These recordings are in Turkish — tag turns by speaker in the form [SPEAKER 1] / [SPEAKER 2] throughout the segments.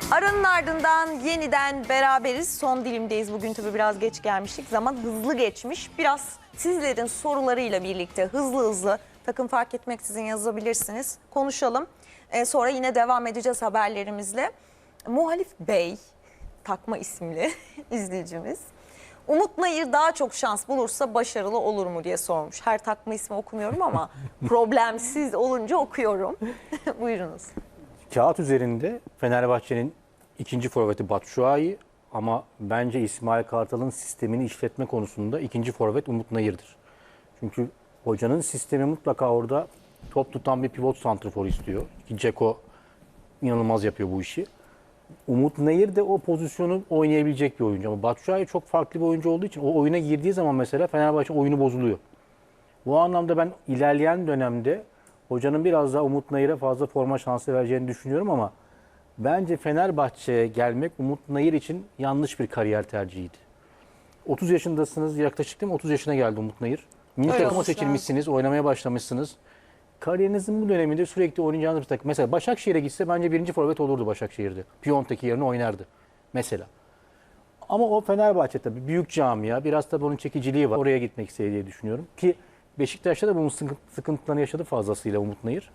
[SPEAKER 1] Aranın ardından yeniden beraberiz. Son dilimdeyiz. Bugün tabii biraz geç gelmiştik. Zaman hızlı geçmiş. Biraz sizlerin sorularıyla birlikte hızlı takım fark etmeksizin yazabilirsiniz. Konuşalım. Sonra yine devam edeceğiz haberlerimizle. Muhalif Bey, takma isimli izleyicimiz. Umut Nayır daha çok şans bulursa başarılı olur mu diye sormuş. Her takma ismi okumuyorum ama problemsiz olunca okuyorum. Buyurunuz.
[SPEAKER 2] Kağıt üzerinde Fenerbahçe'nin ikinci forveti Batshuayi ama bence İsmail Kartal'ın sistemini işletme konusunda ikinci forvet Umut Nayır'dır. Çünkü hocanın sistemi mutlaka orada top tutan bir pivot santrfor istiyor. Ki Dzeko inanılmaz yapıyor bu işi. Umut Nayır da o pozisyonu oynayabilecek bir oyuncu. Ama Batshuayi çok farklı bir oyuncu olduğu için o oyuna girdiği zaman mesela Fenerbahçe oyunu bozuluyor. Bu anlamda ben ilerleyen dönemde hocanın biraz daha Umut Nayır'a fazla forma şansı vereceğini düşünüyorum ama bence Fenerbahçe'ye gelmek Umut Nayır için yanlış bir kariyer tercihiydi. 30 yaşındasınız yaklaşık değil mi? 30 yaşına geldi Umut Nayır. Milli
[SPEAKER 1] Öyle
[SPEAKER 2] takıma
[SPEAKER 1] olmuş
[SPEAKER 2] seçilmişsiniz, oynamaya başlamışsınız. Kariyerinizin bu döneminde sürekli oynayacağınız bir takım. Mesela Başakşehir'e gitse bence birinci forvet olurdu Başakşehir'de. Piontek yerine oynardı mesela. Ama o Fenerbahçe tabii büyük camia. Biraz tabii onun çekiciliği var. Oraya gitmek istediği diye düşünüyorum. Ki Beşiktaş'ta da bunun sıkıntılarını yaşadı fazlasıyla Umut Nayır.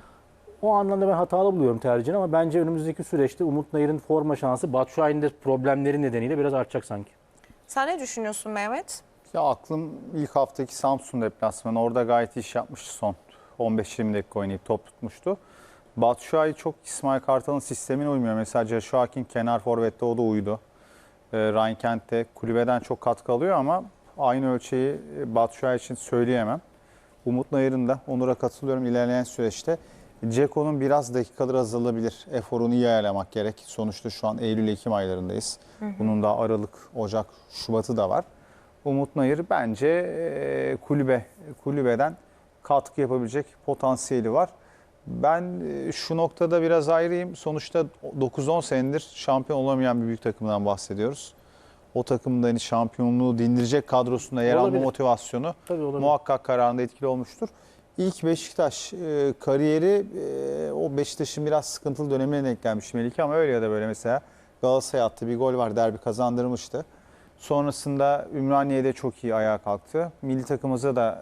[SPEAKER 2] O anlamda ben hatalı buluyorum tercihini ama bence önümüzdeki süreçte Umut Nayır'ın forma şansı Batshuayi'nin de problemleri nedeniyle biraz artacak sanki.
[SPEAKER 1] Sen ne düşünüyorsun Mehmet?
[SPEAKER 3] Ya aklım ilk haftaki Samsun deplasmanı. Orada gayet iyi iş yapmıştı son. 15-20 dakika oynayıp top tutmuştu. Batshuayi çok İsmail Kartal'ın sistemine uymuyor. Mesela Joshua kenar forvette o da uydu. Ryan Kent de kulübeden çok katkı alıyor ama aynı ölçeği Batshuayi için söyleyemem. Umut Nayır'ın da Onur'a katılıyorum ilerleyen süreçte. Dzeko'nun biraz dakikaları azalabilir. Eforunu iyi ayarlamak gerek. Sonuçta şu an Eylül-Ekim aylarındayız. Bunun da Aralık, Ocak, Şubat'ı da var. Umut Nayır bence kulübeden katkı yapabilecek potansiyeli var. Ben şu noktada biraz ayrıyım. Sonuçta 9-10 senedir şampiyon olamayan bir büyük takımdan bahsediyoruz. O takımın da hani şampiyonluğu dindirecek kadrosunda yer alma motivasyonu muhakkak kararında etkili olmuştur. İlk Beşiktaş kariyeri o Beşiktaş'ın biraz sıkıntılı dönemine denk gelmiş Melike ama öyle ya da böyle mesela Galatasaray'a attığı bir gol var, derbi kazandırmıştı. Sonrasında Ümraniye'de çok iyi ayağa kalktı. Milli takımımıza da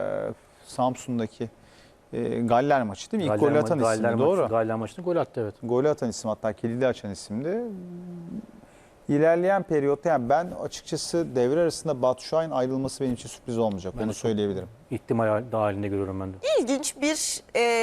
[SPEAKER 3] Samsun'daki Galler maçı değil mi? İlk golü atan isimdi, doğru.
[SPEAKER 2] Galler maçında gol attı, evet.
[SPEAKER 3] Golü atan isim, hatta kilidi açan isimdi. İlerleyen periyotta yani ben açıkçası devre arasında Batshuayi'nin ayrılması benim için sürpriz olmayacak. Onu söyleyebilirim.
[SPEAKER 2] İhtimal dahilinde görüyorum ben de.
[SPEAKER 1] İlginç bir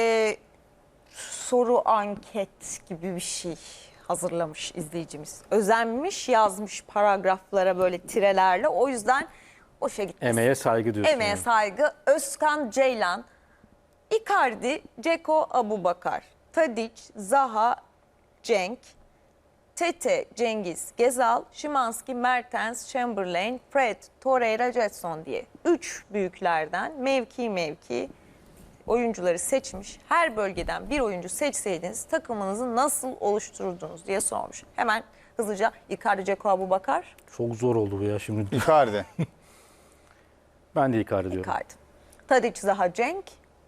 [SPEAKER 1] soru anket gibi bir şey hazırlamış izleyicimiz. Özenmiş, yazmış paragraflara böyle tirelerle. O yüzden boşa gitmesin.
[SPEAKER 2] Emeğe saygı diyorsun.
[SPEAKER 1] Emeğe
[SPEAKER 2] yani.
[SPEAKER 1] saygı. Özkan Ceylan, Icardi, Dzeko, Abubakar, Tadic, Zaha, Cenk, Tete, Cengiz, Gezal, Szymański, Mertens, Chamberlain, Fred, Torreira, Jetson diye 3 büyüklerden mevki oyuncuları seçmiş. Her bölgeden bir oyuncu seçseydiniz takımınızı nasıl oluştururdunuz diye sormuş. Hemen hızlıca Icardi, Dzeko, Abubakar.
[SPEAKER 2] Çok zor oldu bu ya şimdi.
[SPEAKER 3] Icardi.
[SPEAKER 2] Ben de Icardi diyorum.
[SPEAKER 1] Icardi. Tadic, Zaha, Cenk.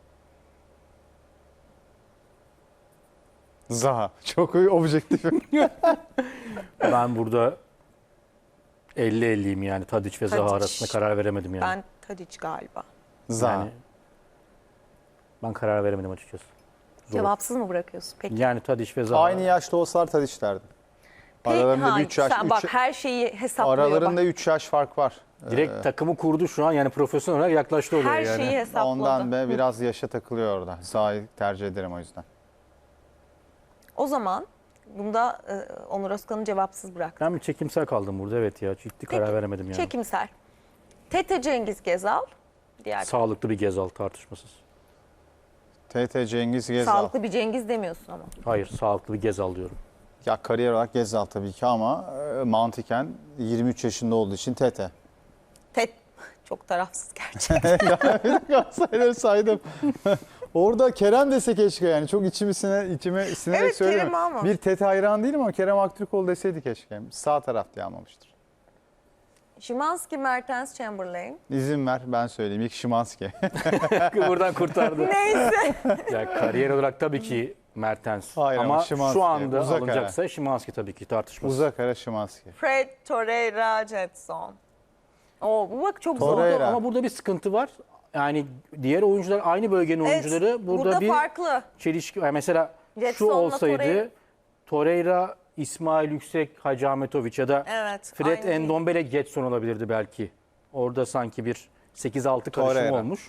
[SPEAKER 3] Zaha. Çok objektif.
[SPEAKER 2] Ben burada 50-50'yim yani Tadic ve Zaha
[SPEAKER 1] Tadic.
[SPEAKER 2] arasında karar veremedim yani.
[SPEAKER 1] Ben Tadic galiba.
[SPEAKER 3] Zaha.
[SPEAKER 2] Yani ben karar veremedim açıkçası. Zor.
[SPEAKER 1] Cevapsız mı bırakıyorsun? Peki.
[SPEAKER 2] Yani Tadic ve Zaha.
[SPEAKER 3] Aynı yaşta olsalar Tadic derdim. Aralarında 3 yaş.
[SPEAKER 1] Sen bak her şeyi hesaplıyor.
[SPEAKER 3] Aralarında
[SPEAKER 1] bak.
[SPEAKER 3] 3 yaş fark var.
[SPEAKER 2] Direkt takımı kurdu şu an yani profesyonel olarak yaklaştı oraya
[SPEAKER 1] Her
[SPEAKER 2] yani.
[SPEAKER 1] şeyi hesapladı.
[SPEAKER 3] Ondan be biraz yaşa takılıyor orada. Zaha'yı tercih ederim o yüzden.
[SPEAKER 1] O zaman bunda Onur Özkan'ı cevapsız bırak.
[SPEAKER 2] Ben bir çekimsel kaldım burada, evet ya. Ciddi karar veremedim yani.
[SPEAKER 1] Çekimsel. Tete, Cengiz, Gezal. Diğer
[SPEAKER 2] Sağlıklı bir Gezal tartışmasız.
[SPEAKER 3] TT Cengiz Gezal.
[SPEAKER 1] sağlıklı bir Cengiz demiyorsun ama.
[SPEAKER 2] Hayır, sağlıklı bir Gezal diyorum.
[SPEAKER 3] Ya kariyer olarak Gezal tabii ki ama mantıken 23 yaşında olduğu için TT.
[SPEAKER 1] Çok tarafsız gerçekten.
[SPEAKER 3] Galatasaray'ları saydım. Orada Kerem dese keşke yani. Çok içime sinerek
[SPEAKER 1] Evet,
[SPEAKER 3] söylüyorum.
[SPEAKER 1] Kerem ama.
[SPEAKER 3] Bir TT hayran değilim ama Kerem Aktürkoğlu deseydi keşke. Sağ taraf diye almamıştır.
[SPEAKER 1] Szymański, Mertens, Chamberlain.
[SPEAKER 3] İzin ver ben söyleyeyim. İlk Szymański.
[SPEAKER 2] Buradan kurtardı.
[SPEAKER 1] Neyse.
[SPEAKER 2] Ya kariyer olarak tabii ki Mertens.
[SPEAKER 3] Hayır ama
[SPEAKER 2] ama
[SPEAKER 3] Szymański,
[SPEAKER 2] şu anda
[SPEAKER 3] uzak
[SPEAKER 2] alınacaksa Szymański tabii ki tartışmasız.
[SPEAKER 3] Uzak ara Szymański.
[SPEAKER 1] Fred, Torreira, Jetson. Oo, bu bak çok zor.
[SPEAKER 3] Torreira.
[SPEAKER 2] Ama burada bir sıkıntı var. Yani diğer oyuncular aynı bölgenin
[SPEAKER 1] Evet,
[SPEAKER 2] oyuncuları burada bir
[SPEAKER 1] farklı.
[SPEAKER 2] çelişki. Yani mesela şu
[SPEAKER 1] Jetson'la
[SPEAKER 2] olsaydı
[SPEAKER 1] Torreira.
[SPEAKER 2] Torreira, İsmail Yüksek, Hacı Ahmetoviç ya da
[SPEAKER 1] Evet,
[SPEAKER 2] Fred
[SPEAKER 1] aynı değil.
[SPEAKER 2] Endombele Getson olabilirdi belki. Orada sanki bir 8-6 karışım
[SPEAKER 3] Torreira.
[SPEAKER 2] olmuş.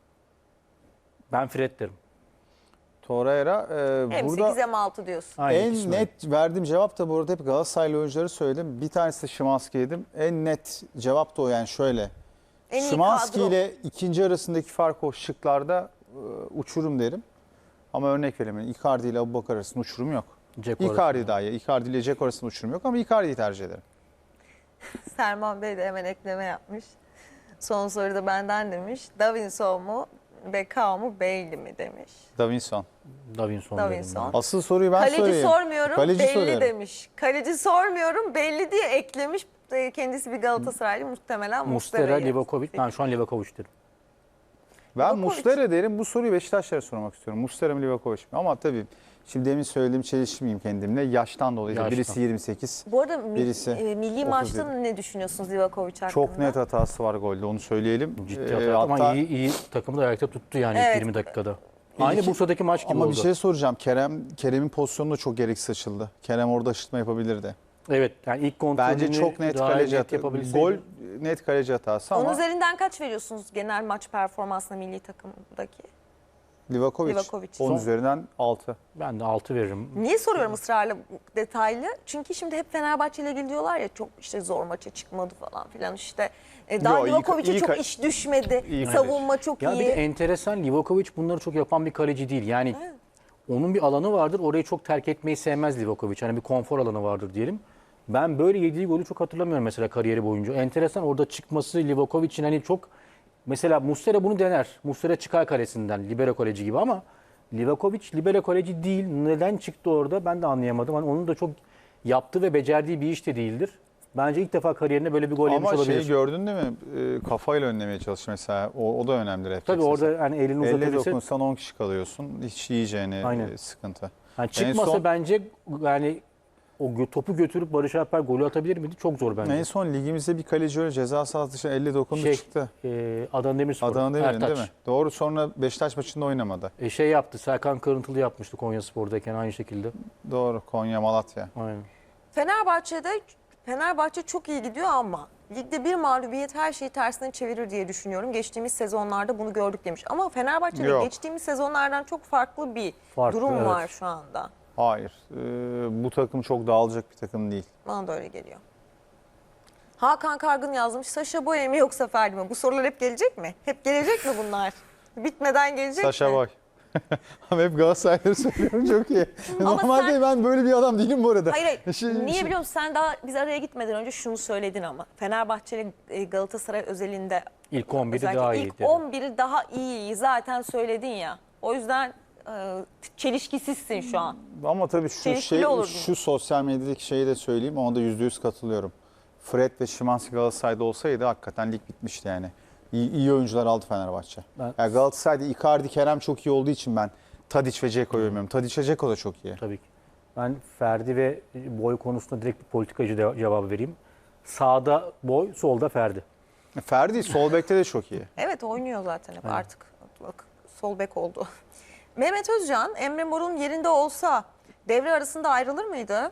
[SPEAKER 2] Ben Fred derim.
[SPEAKER 3] Torreira
[SPEAKER 1] Hem
[SPEAKER 3] burada
[SPEAKER 1] 8 hem 6 diyorsun.
[SPEAKER 2] Aynı
[SPEAKER 3] en
[SPEAKER 2] ikisi.
[SPEAKER 3] net verdiğim cevap da bu arada hep Galatasaraylı oyuncuları söyledim. Bir tanesi de Szymański'ydim. En net cevap da o yani şöyle.
[SPEAKER 1] En iyi
[SPEAKER 3] Szymański
[SPEAKER 1] kadro.
[SPEAKER 3] ile ikinci arasındaki fark o şıklarda uçurum derim. Ama örnek vereyim. Icardi ile Abubakar arasında uçurum yok.
[SPEAKER 2] Dzeko
[SPEAKER 3] Icardi
[SPEAKER 2] arasında.
[SPEAKER 3] daha iyi. Icardi ile Dzeko arasında uçurum yok ama Icardi'yi tercih ederim.
[SPEAKER 1] Serman Bey de hemen ekleme yapmış. Son soruda benden demiş. Davinson mu, Beckham mu, Bailey mi demiş.
[SPEAKER 3] Davinson.
[SPEAKER 2] Davinson.
[SPEAKER 1] Davinson.
[SPEAKER 2] derim
[SPEAKER 3] Asıl soruyu ben
[SPEAKER 1] Kaleci
[SPEAKER 3] sorayım.
[SPEAKER 1] sormuyorum,
[SPEAKER 3] Kaleci
[SPEAKER 1] belli
[SPEAKER 3] soruyorum.
[SPEAKER 1] demiş. Kaleci sormuyorum, belli diye eklemiş. Kendisi bir Galatasaraylı, muhtemelen
[SPEAKER 2] ben. Muslera,
[SPEAKER 1] Muslera'yı.
[SPEAKER 2] Livakovic. Ben şu an Livakovic derim.
[SPEAKER 3] Ben
[SPEAKER 1] Livakovic.
[SPEAKER 3] Muslera derim. Bu soruyu Beşiktaşlara sormak istiyorum. Muslera mı Livakovic mi? Ama tabii şimdi demin söylediğim çelişmeyeyim kendimle. Yaştan dolayı.
[SPEAKER 2] Yaştan.
[SPEAKER 3] Birisi 28.
[SPEAKER 1] Bu arada
[SPEAKER 3] Birisi
[SPEAKER 1] milli
[SPEAKER 3] 37.
[SPEAKER 1] maçta ne düşünüyorsunuz Livakovic hakkında?
[SPEAKER 3] Çok net hatası var golde, onu söyleyelim.
[SPEAKER 2] Ciddi hata ama
[SPEAKER 3] hatta-
[SPEAKER 2] iyi takımı da ayakta tuttu yani
[SPEAKER 1] Evet.
[SPEAKER 2] 20 dakikada. Aynı
[SPEAKER 3] İlk-
[SPEAKER 2] Bursa'daki maç gibi
[SPEAKER 3] Ama
[SPEAKER 2] oldu.
[SPEAKER 3] bir şey soracağım. Kerem'in pozisyonu da çok gereksiz açıldı. Kerem orada aşırtma yapabilirdi.
[SPEAKER 2] Evet yani ilk kontrolünü
[SPEAKER 3] Bence çok net
[SPEAKER 2] daha
[SPEAKER 3] kaleci
[SPEAKER 2] net
[SPEAKER 3] hatası.
[SPEAKER 2] yapabilseydi.
[SPEAKER 3] Gol net kaleci hatası
[SPEAKER 1] Onun
[SPEAKER 3] ama
[SPEAKER 1] üzerinden kaç veriyorsunuz genel maç performansına milli takımdaki?
[SPEAKER 3] Livakovic,
[SPEAKER 1] Livakovic.
[SPEAKER 3] 10 üzerinden 6.
[SPEAKER 2] Ben de 6 veririm.
[SPEAKER 1] Niye soruyorum ısrarla bu detaylı? Çünkü şimdi hep Fenerbahçe ile ilgili diyorlar ya çok işte zor maça çıkmadı falan filan işte. Daha
[SPEAKER 3] Yo, iyi-
[SPEAKER 1] Livakovic'e
[SPEAKER 3] iyi
[SPEAKER 1] çok
[SPEAKER 3] ka-
[SPEAKER 1] iş düşmedi.
[SPEAKER 3] iyi
[SPEAKER 1] Savunma çok
[SPEAKER 2] Ya
[SPEAKER 1] iyi.
[SPEAKER 2] bir de enteresan Livakovic bunları çok yapan bir kaleci değil. Yani onun bir alanı vardır. Orayı çok terk etmeyi sevmez Livakovic. Hani bir konfor alanı vardır diyelim. Ben böyle yediği golü çok hatırlamıyorum mesela kariyeri boyunca. Enteresan orada çıkması Livakovic'in hani çok mesela Muslera bunu dener. Muslera çıkar kalesinden libero kaleci gibi ama Livakovic libero kaleci değil. Neden çıktı orada ben de anlayamadım. Hani onun da çok yaptığı ve becerdiği bir iş de değildir. Bence ilk defa kariyerinde böyle bir gol yemiş
[SPEAKER 3] Ama
[SPEAKER 2] olabilir.
[SPEAKER 3] şeyi gördün değil mi? Kafayla önlemeye çalış mesela. O da önemli refleks.
[SPEAKER 2] Tabii orada hani elini
[SPEAKER 3] Elle
[SPEAKER 2] uzatabilse
[SPEAKER 3] dokunsan 10 kişi kalıyorsun. Hiç yiyeceğini
[SPEAKER 2] Aynen.
[SPEAKER 3] sıkıntı.
[SPEAKER 2] yani çıkmasa
[SPEAKER 3] son-
[SPEAKER 2] bence yani o topu götürüp Barış Alper golü atabilir miydi? Çok zor bence.
[SPEAKER 3] En son ligimizde bir kaleci öyle ceza sahası dışında elle dokundu çıktı.
[SPEAKER 2] Adana Demirspor.
[SPEAKER 3] Adana Demir'in
[SPEAKER 2] Ertaç.
[SPEAKER 3] değil mi? Doğru, sonra Beşiktaş maçında oynamadı.
[SPEAKER 2] Şey yaptı. Serkan Kırıntılı yapmıştı Konyaspor'dayken aynı şekilde.
[SPEAKER 3] Doğru, Konya, Malatya.
[SPEAKER 2] Aynen.
[SPEAKER 1] Fenerbahçe çok iyi gidiyor ama ligde bir mağlubiyet her şeyi tersine çevirir diye düşünüyorum. Geçtiğimiz sezonlarda bunu gördük demiş. Ama Fenerbahçe'de
[SPEAKER 3] Yok.
[SPEAKER 1] geçtiğimiz sezonlardan çok farklı bir durum
[SPEAKER 2] evet.
[SPEAKER 1] var şu anda.
[SPEAKER 3] Hayır. Bu takım çok dağılacak bir takım değil.
[SPEAKER 1] Bana da öyle geliyor. Hakan Kargın yazmış. Saşa Boey mi yoksa Ferdi mi? Bu sorular hep gelecek mi? Hep gelecek mi bunlar? Bitmeden gelecek mi?
[SPEAKER 3] Saşa Boy. Ama hep Galatasaray'ları söylüyorum, çok iyi. Normalde
[SPEAKER 1] sen-
[SPEAKER 3] ben böyle bir adam değilim bu arada.
[SPEAKER 1] Hayır hayır.
[SPEAKER 3] Şimdi-
[SPEAKER 1] Niye biliyor musun? Sen daha biz araya gitmeden önce şunu söyledin ama. Fenerbahçe ile Galatasaray özelinde
[SPEAKER 2] İlk 11'i
[SPEAKER 1] özellikle
[SPEAKER 2] daha iyi.
[SPEAKER 1] ilk 11'i daha iyi zaten söyledin ya. O yüzden çelişkisizsin şu an.
[SPEAKER 3] Ama tabii
[SPEAKER 1] Çelişkili olurdun.
[SPEAKER 3] şu sosyal medyadaki şeyi de söyleyeyim, ona da %100 katılıyorum. Fred ve Szymański Galatasaray'da olsaydı hakikaten lig bitmişti yani. İyi oyuncular aldı Fenerbahçe.
[SPEAKER 2] Ben-
[SPEAKER 3] Yani Galatasaray'da Icardi, Kerem çok iyi olduğu için ben Tadic ve Dzeko'yu övmüyorum. Tadic ve Dzeko da çok iyi.
[SPEAKER 2] Tabii ki. Ben Ferdi ve Boy konusunda direkt bir politikacı cevabı vereyim. Sağda Boy, solda Ferdi.
[SPEAKER 3] Ferdi sol bekte de çok iyi.
[SPEAKER 1] Evet oynuyor zaten hep artık. Bak, sol bek oldu. Mehmet Özcan, Emre Mor'un yerinde olsa devre arasında ayrılır mıydı?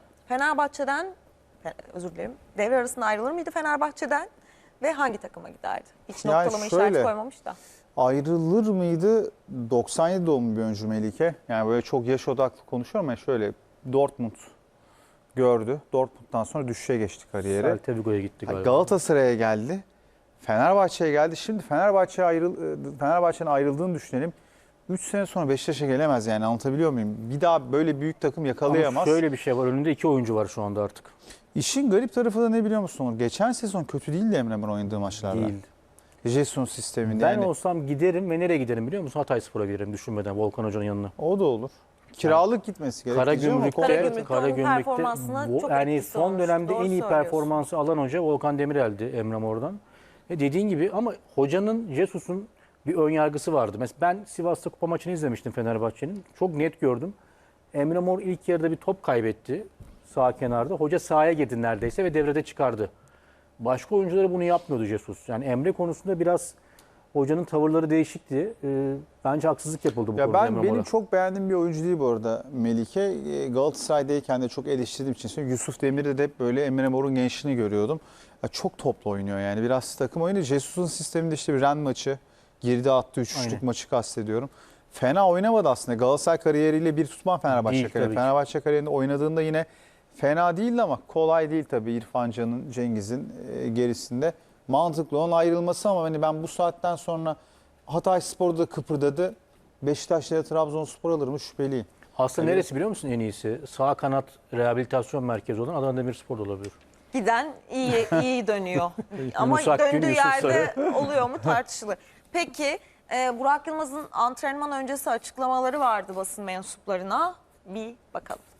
[SPEAKER 1] Özür dilerim. Devre arasında ayrılır mıydı Fenerbahçe'den ve hangi takıma giderdi? Hiç
[SPEAKER 3] Yani
[SPEAKER 1] noktalama işareti
[SPEAKER 3] şöyle,
[SPEAKER 1] koymamış da.
[SPEAKER 3] Ayrılır mıydı? 97 doğumlu bir oyuncu Melike. Yani böyle çok yaş odaklı konuşuyorum ama şöyle Dortmund gördü. Dortmund'dan sonra düşüşe geçti kariyeri.
[SPEAKER 2] Celta Vigo'ya gitti galiba.
[SPEAKER 3] Galatasaray'a geldi. Fenerbahçe'ye geldi. Şimdi Fenerbahçe'nin ayrıldığını düşünelim. 3 sene sonra Beşiktaş'a gelemez yani, anlatabiliyor muyum? Bir daha böyle büyük takım
[SPEAKER 2] Ama
[SPEAKER 3] yakalayamaz.
[SPEAKER 2] şöyle bir şey var. Önünde 2 oyuncu var şu anda artık.
[SPEAKER 3] İşin garip tarafı da ne biliyor musun Onur? Geçen sezon kötü değildi Emre Mor oynadığı maçlarda.
[SPEAKER 2] Değildi.
[SPEAKER 3] Jesus sisteminde
[SPEAKER 2] Ben
[SPEAKER 3] yani.
[SPEAKER 2] olsam giderim ve nereye giderim biliyor musun? Hatayspor'a giderim düşünmeden Volkan Hoca'nın yanına.
[SPEAKER 3] O da olur. Kiralık gitmesi gerekiyor ama
[SPEAKER 1] Karagümrük'te onun
[SPEAKER 2] Karagümrük'te
[SPEAKER 1] performansına çok
[SPEAKER 2] yani
[SPEAKER 1] etkisi
[SPEAKER 2] son
[SPEAKER 1] olmuş.
[SPEAKER 2] dönemde
[SPEAKER 1] Doğru
[SPEAKER 2] en iyi
[SPEAKER 1] söylüyorsun.
[SPEAKER 2] performansı alan hoca Volkan Demirel'di Emre Mor'dan. Dediğin gibi ama hocanın, Jesus'un bir ön yargısı vardı. Mesela ben Sivas'ta kupa maçını izlemiştim Fenerbahçe'nin. Çok net gördüm. Emre Mor ilk yarıda bir top kaybetti sağ kenarda. Hoca sahaya girdi neredeyse ve devrede çıkardı. Başka oyuncuları bunu yapmıyordu Jesus. Yani Emre konusunda biraz hocanın tavırları değişikti. Bence haksızlık yapıldı bu konuda Emre
[SPEAKER 3] Benim
[SPEAKER 2] Mor'a.
[SPEAKER 3] çok beğendiğim bir oyuncu değil bu arada Melike. Galatasaray'dayken de çok eleştirdiğim için söylüyorum. Yusuf Demir'de de hep böyle Emre Mor'un gençliğini görüyordum. Ya çok toplu oynuyor yani. Biraz takım oyunu. Jesus'un sisteminde işte bir Ren maçı, geride attığı 3-3'lük
[SPEAKER 2] Aynen.
[SPEAKER 3] maçı kastediyorum. Fena oynamadı aslında. Galatasaray kariyeriyle bir tutmam Fenerbahçe
[SPEAKER 2] Değil,
[SPEAKER 3] kariyeri.
[SPEAKER 2] tabii ki.
[SPEAKER 3] Fenerbahçe kariyerinde oynadığında yine fena değildi ama kolay değil tabii İrfan Can'ın, Cengiz'in gerisinde. Mantıklı onun ayrılması ama hani ben bu saatten sonra Hatayspor'da da kıpırdadı. Beşiktaş'ta ya Trabzonspor alır mı şüpheliyim.
[SPEAKER 2] Aslında
[SPEAKER 3] Evet.
[SPEAKER 2] neresi biliyor musun en iyisi? Sağ kanat rehabilitasyon merkezi olan Adana Demirspor da olabilir.
[SPEAKER 1] Giden iyi dönüyor. Ama
[SPEAKER 2] Yunus Akgün,
[SPEAKER 1] döndüğü
[SPEAKER 2] Yusuf
[SPEAKER 1] yerde oluyor mu tartışılır. Peki Burak Yılmaz'ın antrenman öncesi açıklamaları vardı basın mensuplarına. Bir bakalım.